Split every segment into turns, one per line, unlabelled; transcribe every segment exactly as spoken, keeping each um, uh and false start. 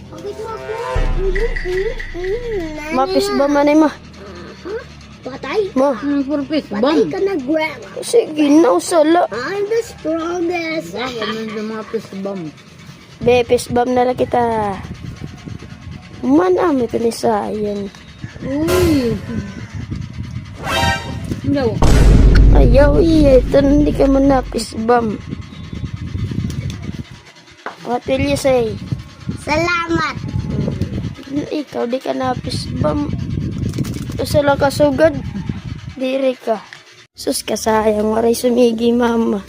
Bakit mo ako? Mm, mm, mm.
Mapis ba manay ma?
Patay?
Ma,
Ano for fish
Patay
bomb?
ka na, Grandma.
sige na usala.
I'm the strongest.
Bakit nandiyan mga fish bomb?
Be, pisbam na lang kita. Man, ah, may pinisayan.
Uy! Hindi.
Ayaw, iya. Ito, hindi ka man na pisbam. What will you say?
Salamat.
Ikaw, di ka na pisbam. Usala ka sugad. Diri ka. Sus ka sayang, waray sumigi, mama.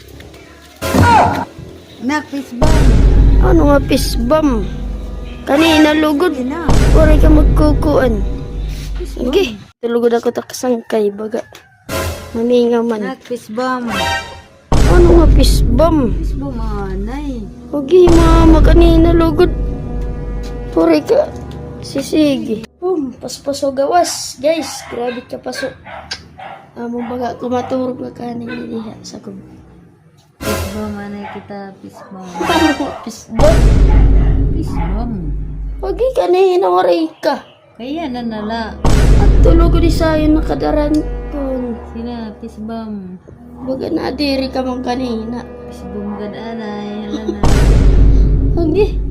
Na fish bomb.
Ano nga pisbam? Kanina lugod.
Na.
Waray ka magkukuan. Sige. Tulugod ako takasangkay, baga. Maminga man.
Na fish bomb.
Ano nga pisbam?
Fish bomb anay.
Huwag mama, kanina lugod. Waray ka. Sisigi. Boom, paspaso gawas. Guys, grabe ka paso. Amo baga kumaturog ka kanina diha sa kub.
Fish bomb anay kita fish bomb.
Ano nga pisbam?
Fish bomb.
Huwag kanina waray ka.
Kaya na nala.
At tulog di sayo nakadaran kun.
Sina fish bomb.
Baga na diri ka man kanina.
Fish bomb gad anay. Hala na.
Huwag